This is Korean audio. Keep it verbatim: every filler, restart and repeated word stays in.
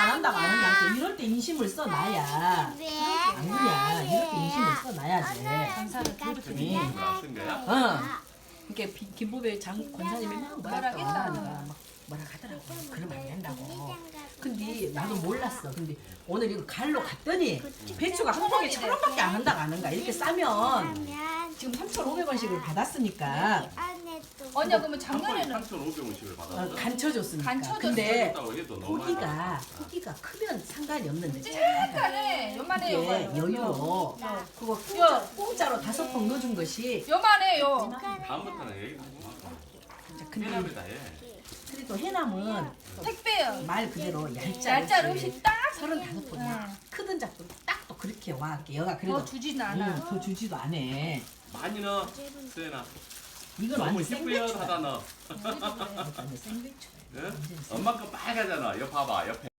한다고 안 하냐. 이럴 때 인심을 써놔야. 안 그냐. 이럴 때 인심을 써놔야지. 전사를 들었더니 네. 이걸 안쓴 거야? 어. 이렇게 비- 김보배 장 권사님이 막 뭐라 뭐라 하겠다. 하다가 막 뭐라 하더라고. 그러면 안 된다고. 근데 나도 몰랐어. 근데 오늘 이거 갈로 갔더니 배추가 한 봉에 천 원밖에 안 한다고 하는가. 이렇게 싸면 지금 삼천오백 원씩을 받았으니까 언니야 그러면 작년에는 삼천오백 원씩을 어, 받았어. 간쳐줬으니까. 간쳐줬어. 근데 했다고 해도 너무 고기가 많다. 고기가 크면 상관이 없는데 찌까네. 요만해 이게 요거. 여유로 그거 요. 공짜, 공짜로 다섯 봉 넣어준 것이 요만해요. 다음부터는 얘기 하지 마. 진짜 근데 해남에다 해. 그래도 해남은 택배요. 말 그대로 얄짤 얄짤 없이 딱 서른다섯 봉이야. 응. 크든 작든 딱 또 그렇게 와. 여가 그래도 더 주진 않아. 응, 더 주지도 않아. 많이 넣어. 수연아. 이건 너무 완전 희뿌연하다 생배추야. 너. 완전 생배추야. 응? 완전 생배추. 엄마 거 빨가잖아. 옆 봐봐. 옆에.